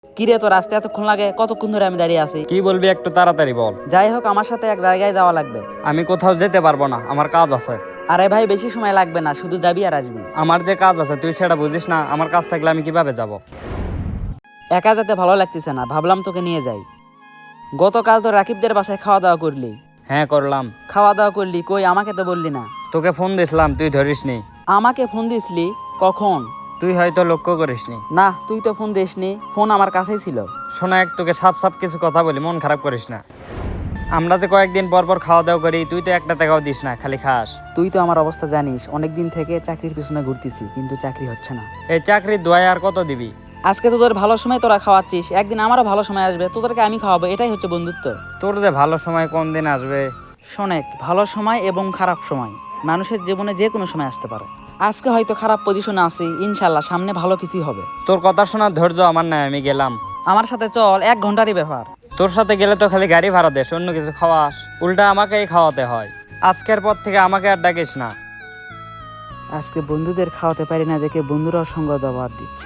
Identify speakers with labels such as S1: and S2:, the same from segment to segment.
S1: কিরে, তোর আসতে এতক্ষণ লাগে? কতক্ষণ ধরে আমি দাঁড়িয়ে আছি।
S2: কি বলবি একটু তাড়াতাড়ি বল।
S1: যাই হোক, আমার সাথে এক জায়গায় যাওয়া লাগবে।
S2: আমি কোথাও যেতে পারবো না, আমার কাজ আছে।
S1: আরে ভাই, বেশি সময় লাগবে না, শুধু যাবি আর আসবি।
S2: আমার যে কাজ আছে তুই সেটা বুঝিস না? আমার কাজ থাকলে আমি কিভাবে যাব?
S1: একা যেতে ভালো লাগতেছে না, ভাবলাম তোকে নিয়ে যাই। গতকাল তো রাকিবদের বাসায় খাওয়া দাওয়া করলি।
S2: হ্যাঁ করলাম।
S1: খাওয়া দাওয়া করলি কই? আমাকে তো বললি না।
S2: তোকে ফোন দিছিলাম, তুই ধরিসনি।
S1: আমাকে ফোন দিসলি? কখন?
S2: তুই হয়তো লক্ষ্য করিসনি।
S1: না, তুই তো ফোন দিসনি, ফোন আমার কাছেই ছিল।
S2: শোনা, এক তোকে সাপ সাপ কিছু কথা বলি, মন খারাপ করিস না। আমরা যে কয়েকদিন পর পর খাওয়া দাওয়া করি, তুই তো একটা টাকাও দিস না, খালি খাস।
S1: তুই তো আমার অবস্থা জানিস, অনেকদিন থেকে চাকরির পিছনে ঘুরতেছি, কিন্তু চাকরি হচ্ছে না।
S2: এই চাকরির দোয়ায় আর কত দিবি?
S1: আজকে তোদের ভালো সময় তোরা খাওয়াচ্ছিস, একদিন আমারও ভালো সময় আসবে, তোদেরকে আমি খাওয়াবো, এটাই হচ্ছে বন্ধুত্ব।
S2: তোর যে ভালো সময় কোন দিন আসবে?
S1: শোনেক, ভালো সময় এবং খারাপ সময় মানুষের জীবনে যে কোনো সময় আসতে পারে। আজকে হয়তো খারাপ পজিশনে আছি, ইনশাল্লাহ সামনে ভালো কিছুই হবে।
S2: তোর কথা শোনার ধৈর্য আমার নাই, আমি গেলাম।
S1: আমার সাথে চল, 1 ঘন্টারই ব্যাপার।
S2: তোর সাথে গেলে তো খালি গাড়ি ভাড়া দেস, অন্য কিছু খাওয়াস? উল্টা আমাকেই খাওয়াতে হয়। আজকের পর থেকে আমাকে আর ডাকিস না।
S1: আজকে বন্ধুদের খাওয়াতে পারি না দেখে বন্ধুরাও সঙ্গ জবাব দিচ্ছে।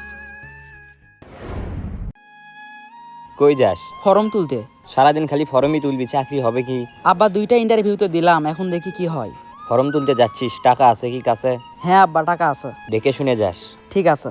S3: কই যাস?
S1: ফর্ম তুলতে।
S3: সারাদিন খালি ফর্মই তুলবি, চাকরি হবে কি?
S1: আব্বা, 2টা ইন্টারভিউ তো দিলাম, এখন দেখি কি হয়।
S3: ফর্ম তুলতে যাচ্ছিস, টাকা আছে কি কাছে?
S1: হ্যাঁ আব্বা, টাকা আছে।
S3: দেখে শুনে যাস।
S1: ঠিক আছে।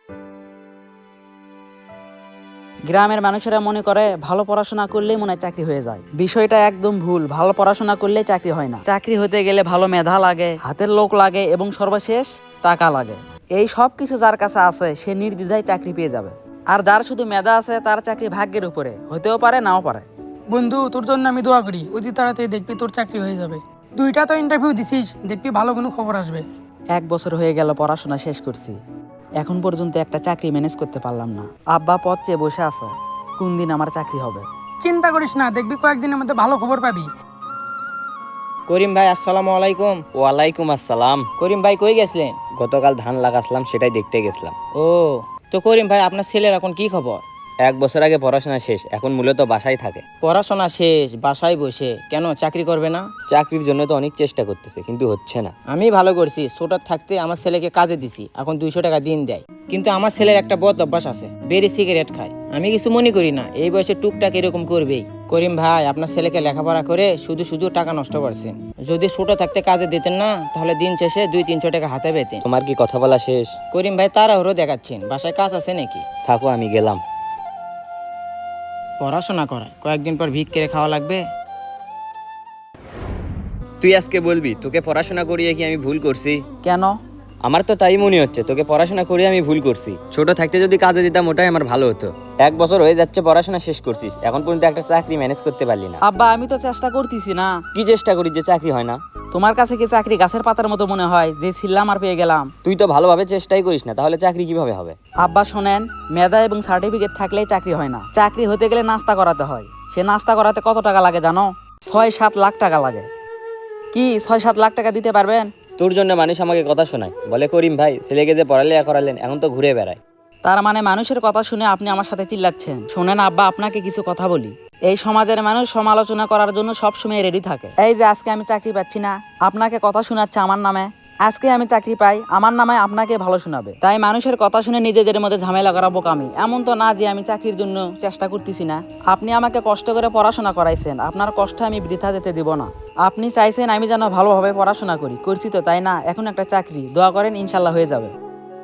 S1: গ্রামের মানুষেরা মনে করে ভালো পড়াশোনা করলেই মনে হয় চাকরি হয়ে যায়। বিষয়টা একদম ভুল। ভালো পড়াশোনা করলেই চাকরি হয় না। চাকরি হতে গেলে ভালো মেধা লাগে, হাতের লোক লাগে এবং সর্বশেষ টাকা লাগে। এই সব কিছু যার কাছে আছে সে নির্দ্বিধায় চাকরি পেয়ে যাবে। আর যার শুধু মেধা আছে তার চাকরি ভাগ্যের উপরে, হতেও পারে নাও পারে।
S4: বন্ধু, তোর জন্য আমি দোয়া করি, অতি তাড়াতাড়ি দেখবি তোর চাকরি হয়ে যাবে। 2টা তো ইন্টারভিউ দিছিস, দেখবি ভালো কোনো খবর আসবে।
S1: 1 বছর হয়ে গেল পড়াশোনা শেষ করছি, এখন পর্যন্ত একটা চাকরি ম্যানেজ করতে পারলাম না। আব্বা পথ চেয়ে বসে আছে, কোন দিন আমার চাকরি হবে।
S4: চিন্তা করিস না, দেখবি কয়েকদিনের মধ্যে ভালো খবর পাবি।
S5: করিম ভাই, আসসালামু আলাইকুম।
S3: ওয়ালাইকুম আসসালাম।
S5: করিম ভাই কই গেছিলেন?
S3: গতকাল ধান লাগাছিলাম, সেটাই দেখতে গেছিলাম।
S5: ও, তো করিম ভাই, আপনার ছেলের এখন কি খবর?
S3: 1 বছর আগে পড়াশোনা শেষ, এখন মূলত বাসায় থাকে।
S5: পড়াশোনা শেষ, বাসায় বসে কেন চাকরি করবে না?
S3: চাকরির জন্য তো অনেক চেষ্টা করতেছে, কিন্তু হচ্ছে না।
S5: আমি ভালো করছি, ছোট থাকতে আমার ছেলেকে কাজে দিছি, এখন 200 টাকা দিন দেয়। কিন্তু আমার ছেলের একটা বদ অভ্যাস আছে, বেরি সিগারেট খায়। আমি কিছু মনে করি না, এই বয়সে টুকটাক এরকম করবেই। করিম ভাই, আপনার ছেলেকে লেখাপড়া করে শুধু শুধু টাকা নষ্ট করছেন। যদি ছোট থাকতে কাজে দিতেন না, তাহলে দিন শেষে 200-300 টাকা হাতে পেতেন।
S3: তোমার কি কথা বলা শেষ?
S5: করিম ভাই, তাড়াহুড়ো দেখাচ্ছেন, বাসায় কাজ আছে নাকি?
S3: থাকো, আমি গেলাম।
S5: পড়াশোনা করায় কয়েকদিন পর ভিক করে খাওয়া লাগবে।
S3: তুই আজকে বলবি তোকে পড়াশোনা করিয়ে কি আমি ভুল করছি?
S1: কেন?
S3: আমার তো তাই মনে হচ্ছে, তোকে পড়াশোনা করিয়ে আমি ভুল করছি। ছোট থাকতে যদি কাজে দিতাম ওটাই আমার ভালো হতো। 1 বছর হয়ে যাচ্ছে পড়াশোনা শেষ করছিস, এখন পর্যন্ত একটা চাকরি ম্যানেজ করতে পারলি না।
S1: আব্বা, আমি তো চেষ্টা করতেছি না।
S3: কি চেষ্টা করিস যে চাকরি হয় না?
S1: তোমার কাছে কি চাকরি গাছের পাতার মতো মনে হয় যে ছিললাম আর পেয়ে গেলাম?
S3: তুই তো ভালোভাবে চেষ্টাই করিস না, তাহলে চাকরি কিভাবে হবে?
S1: আব্বা শোনেন, মেধা এবং সার্টিফিকেট থাকলেই চাকরি হয় না। চাকরি হতে গেলে নাস্তা করাতে হয়। সে নাস্তা করাতে কত টাকা লাগে জানো? 6-7 লাখ টাকা লাগে। কি 6-7 লাখ টাকা দিতে পারবেন?
S3: তোর জন্য মানুষ আমাকে কথা শোনায়, বলে করিম ভাই ছেলেকে যে পড়ালেখা করালেন, এখন তো ঘুরে বেড়ায়।
S1: তার মানে মানুষের কথা শুনে আপনি আমার সাথে চিল্লাচ্ছেন? শোনেন আব্বা, আপনাকে কিছু কথা বলি। এই সমাজের মানুষ সমালোচনা করার জন্য সবসময় রেডি থাকে। এই যে আজকে আমি চাকরি পাচ্ছি না, আপনাকে কথা শোনাচ্ছে আমার নামে। আজকে আমি চাকরি পাই, আমার নামে আপনাকে ভালো শোনাবে। তাই মানুষের কথা শুনে নিজেদের মধ্যে ঝামেলা করা বোকামি। এমন তো না যে আমি চাকরির জন্য চেষ্টা করতেছি না। আপনি আমাকে কষ্ট করে পড়াশোনা করাইছেন, আপনার কষ্ট আমি বৃথা যেতে দিব না। আপনি চাইছেন আমি যেন ভালোভাবে পড়াশোনা করি, করছি তো তাই না? এখন একটা চাকরি, দোয়া করেন ইনশাল্লাহ হয়ে যাবে।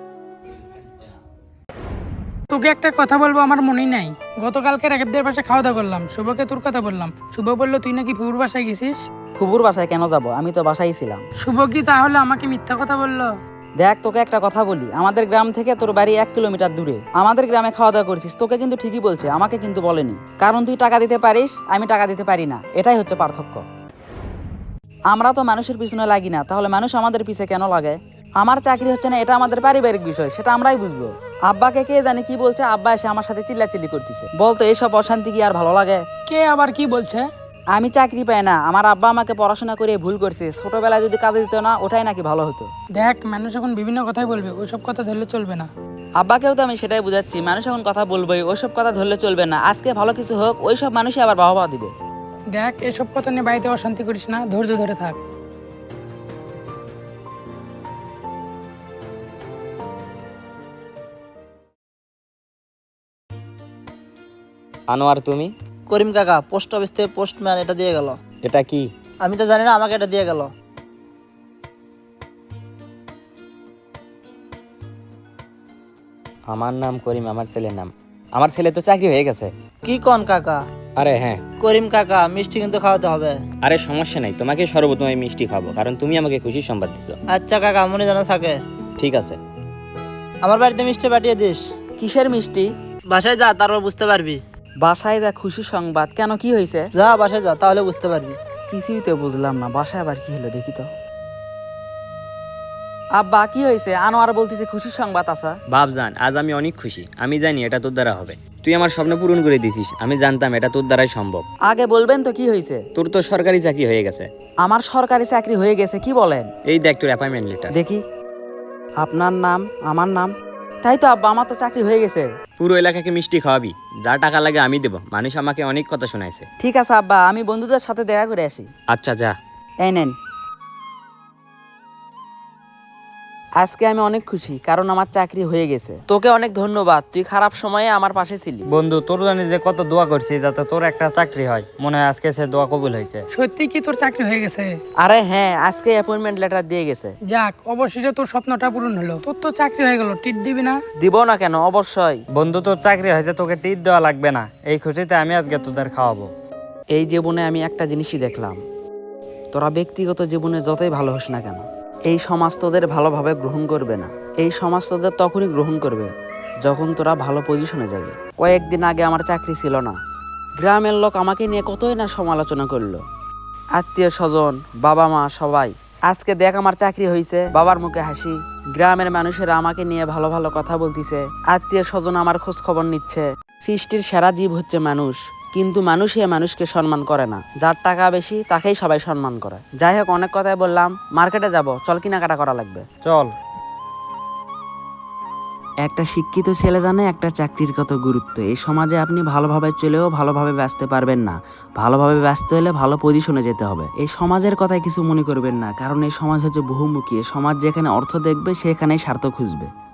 S4: তোকে একটা কথা বলবো, আমার মনেই নাই। গতকালকে রাকিবদের বাসায় খাওয়া দাওয়া করলাম, শুভকে তোর কথা বললাম। শুভ বললো তুই নাকি ফুপুর বাসায় গেছিস।
S1: ফুপুর বাসায় কেন যাব? আমি তো বাসায় ছিলাম।
S4: শুভ কি তাহলে আমাকে মিথ্যা কথা বললো?
S1: দেখ, তোকে একটা কথা বলি, আমাদের গ্রাম থেকে তোর বাড়ি 1 কিলোমিটার দূরে। আমাদের গ্রামে খাওয়া দাওয়া করছিস, তোকে কিন্তু ঠিকই বলছে, আমাকে কিন্তু বলেনি। কারণ তুই টাকা দিতে পারিস, আমি টাকা দিতে পারি না, এটাই হচ্ছে পার্থক্য। আমরা তো মানুষের পিছনে লাগি না, তাহলে মানুষ আমাদের পিছে কেন লাগে? আমার চাকরি হচ্ছে না, এটা আমাদের পারিবারিক বিষয়, সেটা আমরাই বুঝবো। আব্বাকে কে জানে কি বলছে, আব্বা এসে আমার সাথে চিল্লাচিল্লি করতেছে। বলতো এইসব অশান্তি কি আর ভালো লাগে?
S4: কে আবার কি বলছে?
S1: আমি চাকরি পাই না, আমার আব্বা আমাকে পড়াশোনা করে ভুল করছে, ছোটবেলায় যদি কাজে দিত না ওটাই নাকি ভালো হতো।
S4: দেখ, মানুষ এখন বিভিন্ন কথাই বলবে, ওইসব কথা ধরলে চলবে না।
S1: আব্বাকেও তো আমি সেটাই বুঝাচ্ছি, মানুষ এখন কথা বলবোই, ওইসব কথা ধরলে চলবে না। আজকে ভালো কিছু হোক, ওইসব মানুষই আবার বাহবা দিবে।
S4: দেখ, এসব কথা নিয়ে বাড়িতে অশান্তি করিস না, ধৈর্য ধরে থাক।
S3: আনোয়ার তুমি?
S6: করিম কাকা পোস্ট অফিস থেকে পোস্টম্যান এটা দিয়ে গেল।
S3: এটা কি?
S6: আমি তো জানি না, আমাকে এটা দিয়ে গেল।
S3: আমার নাম করিম, আমার ছেলের নাম। আমার ছেলে তো চাকরি হয়ে গেছে।
S6: কি কন কাকা?
S3: আরে হ্যাঁ।
S6: করিম কাকা মিষ্টি কিন্তু খাওয়াতে হবে।
S3: আরে সমস্যা নাই, তোমাকে সর্বপ্রথমে মিষ্টি খাবো, কারণ তুমি আমাকে খুশির সংবাদ দিছো।
S6: আচ্ছা কাকা, মনে যেন থাকে।
S3: ঠিক আছে।
S6: আমার বাড়িতে মিষ্টি পাঠিয়ে দিস।
S1: কিসের মিষ্টি?
S6: বাসায় যা, তারপর বুঝতে পারবি।
S1: বাসায় যা খুশির সংবাদ? কেন, কি হয়েছে?
S6: যা বাসায় যা, তাহলে বুঝতে পারবি।
S1: কিছুই তো বুঝলাম না, বাসায় আবার কি হলো দেখি তো। আব্বা কি হয়েছে? আনোয়ার বলতেছে খুশির সংবাদ আছে।
S3: বাপজান, আজ আমি অনেক খুশি। আমি জানি এটা তোর দ্বারা হবে। তুই আমার স্বপ্ন পূরণ করে দিছিস। আমি জানতাম এটা তোর দ্বারাই সম্ভব।
S1: আগে বলবেন তো কি হয়েছে?
S3: তোর তো সরকারি চাকরি হয়ে গেছে।
S1: আমার সরকারি চাকরি হয়ে গেছে? কি বলেন?
S3: এই দেখ তোর অ্যাপয়েন্টমেন্ট লেটার।
S1: দেখি। আপনার নাম, আমার নাম। তাই তো আব্বা, আমার তো চাকরি হয়ে গেছে।
S3: পুরো এলাকাকে মিষ্টি খাওয়াবি, যা টাকা লাগে আমি দেবো। মানুষ আমাকে অনেক কথা শোনাইছে।
S1: ঠিক আছে আব্বা, আমি বন্ধুদের সাথে দেখা করে আসি।
S3: আচ্ছা যা।
S1: এই নেন। আজকে আমি অনেক খুশি, কারণ আমার চাকরি হয়ে গেছে। তোকে অনেক ধন্যবাদ, তুই খারাপ সময়ে আমার পাশে ছিলি।
S2: বন্ধু, তোর জানি যে কত দোয়া করছি যাতে তোর একটা চাকরি হয়। মনে হয় আজকে সে দোয়া কবুল হয়েছে।
S4: সত্যি কি তোর চাকরি হয়ে গেছে?
S1: আরে হ্যাঁ, আজকে অ্যাপয়েন্টমেন্ট লেটার দিয়ে গেছে।
S4: যাক, অবশেষে তোর স্বপ্নটা পূরণ হলো। তোর তো চাকরি হয়ে গেল, টিট দিবি না?
S1: দিব না কেন, অবশ্যই।
S2: বন্ধু, তোর চাকরি হয়েছে, তোকে টিট দেওয়া লাগবে না। এই খুশিতে আমি আজকে তোদের খাওয়াবো।
S1: এই জীবনে আমি একটা জিনিসই দেখলাম, তোরা ব্যক্তিগত জীবনে যতই ভালো হোস না কেন, এই সমাজ তোদের ভালোভাবে গ্রহণ করবে না। এই সমাজ তোদের তখনই গ্রহণ করবে যখন তোরা ভালো পজিশনে যাবে। কয়েকদিন আগে আমার চাকরি ছিল না, গ্রামের লোক আমাকে নিয়ে কতই না সমালোচনা করলো, আত্মীয় স্বজন, বাবা মা সবাই। আজকে দেখ আমার চাকরি হয়েছে, বাবার মুখে হাসি, গ্রামের মানুষেরা আমাকে নিয়ে ভালো ভালো কথা বলতিছে, আত্মীয় স্বজন আমার খোঁজ খবর নিচ্ছে। সৃষ্টির সেরা জীব হচ্ছে মানুষ, কিন্তু মানুষই মানুষকে সম্মান করে না। যার টাকা বেশি তাকেই সবাই সম্মান করে। যাই হোক, অনেক কথাই বললাম, মার্কেটে যাব, চল কেনাকাটা করা লাগবে।
S2: চল।
S1: একটা শিক্ষিত ছেলে জানে একটা চাকরির কত গুরুত্ব। এই সমাজে আপনি ভালোভাবে চলেও ভালোভাবে বাঁচতে পারবেন না। ভালোভাবে বাঁচতে হলে ভালো পজিশনে যেতে হবে। এই সমাজের কথায় কিছু মনে করবেন না, কারণ এই সমাজ হচ্ছে বহুমুখী। এই সমাজ যেখানে অর্থ দেখবে সেখানেই স্বার্থ খুঁজবে।